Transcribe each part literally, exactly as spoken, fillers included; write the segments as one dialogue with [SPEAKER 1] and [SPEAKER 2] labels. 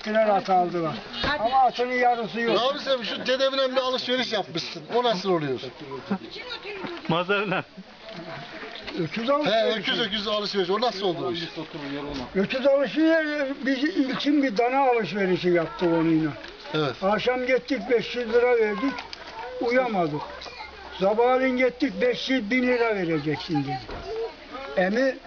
[SPEAKER 1] gittiler at aldılar. Ama atının yarısı yok.
[SPEAKER 2] Abi sen şu dedemle bir alışveriş yapmışsın. O nasıl oluyor?
[SPEAKER 3] Mazarla.
[SPEAKER 1] Öküz
[SPEAKER 2] He
[SPEAKER 1] alışveriş.
[SPEAKER 2] öküz öküz alışveriş. O nasıl oldu o iş?
[SPEAKER 1] Öküz alışveriş, biz ilkin bir dana alışverişi yaptık onunla.
[SPEAKER 2] Evet.
[SPEAKER 1] Akşam gittik beş yüz lira verdik, uyamadık. Sabahleyin gittik beş yüz bin lira vereceksin dedi. Emi,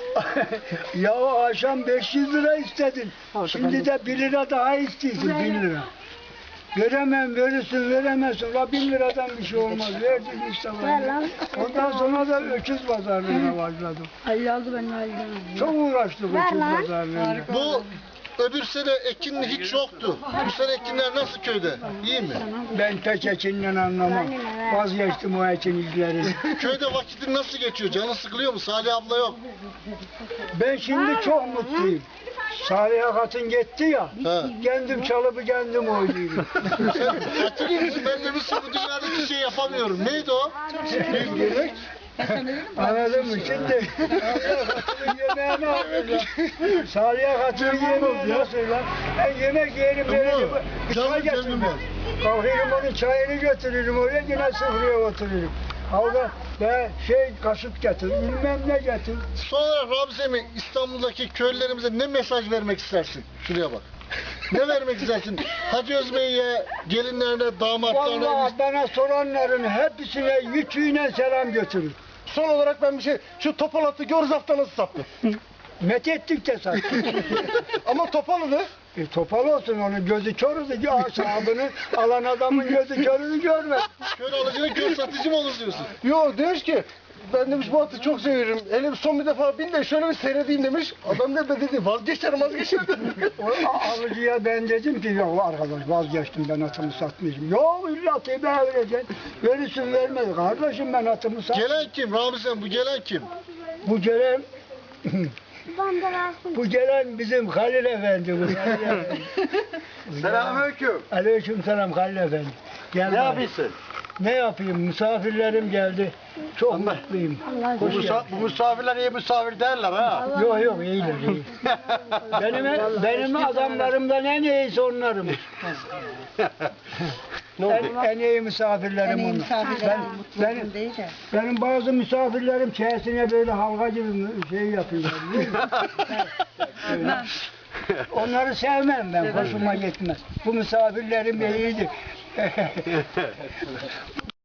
[SPEAKER 1] ya akşam beş yüz lira istedin, şimdi de bir lira daha istiyorsun, bin lira. Veremem, verirsin, veremezsin. La bin liradan bir şey olmaz. Verdik işte. Ondan sonra da öküz pazarlığına başladım.
[SPEAKER 4] Ali aldı ben aldım.
[SPEAKER 1] Çok uğraştık öküz pazarlığına.
[SPEAKER 2] Bu öbür sene ekin hiç yoktu. Bu sene ekinler nasıl köyde? İyi mi?
[SPEAKER 1] Ben pek ekinden anlamam. Vazgeçtim o ekin izleri.
[SPEAKER 2] Köyde vakitin nasıl geçiyor? Canı sıkılıyor mu? Salih abla yok.
[SPEAKER 1] Ben şimdi çok mutluyum. Salih Akat'ın gitti ya,
[SPEAKER 2] He.
[SPEAKER 1] kendim çalıp kendim oynuyorum.
[SPEAKER 2] Sen hatırlıyor musun? Ben de bir sürü bu dünyada hiçbir şey yapamıyorum. Neydi o?
[SPEAKER 1] Gerek. Anladın mı? Şimdi Salih Akat'ın yemeğini aldılar. Salih Akat'ın yemeğini nasıl lan? Ben yemek yerim, veririm, bir çay
[SPEAKER 2] Canım
[SPEAKER 1] getiririm.
[SPEAKER 2] gönlüm var.
[SPEAKER 1] Kalkıyorum onun çayını götürürüm oraya, yine sıfıraya otururum. Orada ben şey kaşık getir, bilmem ne getir.
[SPEAKER 2] Son olarak Ramiz Emin, İstanbul'daki köylülerimize ne mesaj vermek istersin? Şuraya bak. Ne vermek istersin? Hacı Özbey'e, gelinlerine, damatlarına...
[SPEAKER 1] Vallahi bana soranların hepsine yüküyle selam götürür.
[SPEAKER 2] Son olarak ben bir şey... Şu Topalat'ı Görzaf'ta nasıl sattın?
[SPEAKER 1] Met ettik de sattık.
[SPEAKER 2] Ama Topalı'nı...
[SPEAKER 1] E, topal olsun onun gözü körüdü ki asabını alan adamın gözü körünü görmez.
[SPEAKER 2] Kör alıcının kör satıcı mı olur diyorsun?
[SPEAKER 5] Yok demiş ki ben demiş bu atı çok seviyorum. Hele bir son bir defa bin de şöyle bir seyredeyim demiş. Adam ne be dedi vazgeçerim vazgeçerim.
[SPEAKER 1] O a- alıcıya ben dedim ki yok arkadaş vazgeçtim ben atımı satmayacağım. Yok illa atı ben vereceksin. Verirsin vermez. Kardeşim ben atımı sat.
[SPEAKER 2] Gelen kim? Ramiz Emin bu gelen kim?
[SPEAKER 1] Bu gelen bu gelen bizim Halil Efendi. Bu Halil Efendi.
[SPEAKER 5] Selamünaleyküm.
[SPEAKER 1] Aleyküm selam Halil Efendi. Gel
[SPEAKER 5] Ne
[SPEAKER 1] bak.
[SPEAKER 5] yapıyorsun?
[SPEAKER 1] Ne yapayım? Misafirlerim geldi. Çok mutluyum.
[SPEAKER 5] Bu,
[SPEAKER 1] Hoş
[SPEAKER 5] musa
[SPEAKER 1] geldin.
[SPEAKER 5] bu misafirler iyi misafir değiller ha.
[SPEAKER 1] Yok yok iyiler iyi. Benim benim adamlarımdan en iyisi onlarım.
[SPEAKER 5] Ne oldu?
[SPEAKER 1] En, en iyi misafirlerim onlar. Ben, benim, benim bazı misafirlerim çeyesine böyle halka gibi şey yapıyorlar. biliyor musun? Öyle. Onları sevmem ben, hoşuma gitmez. Bu misafirlerim iyidir.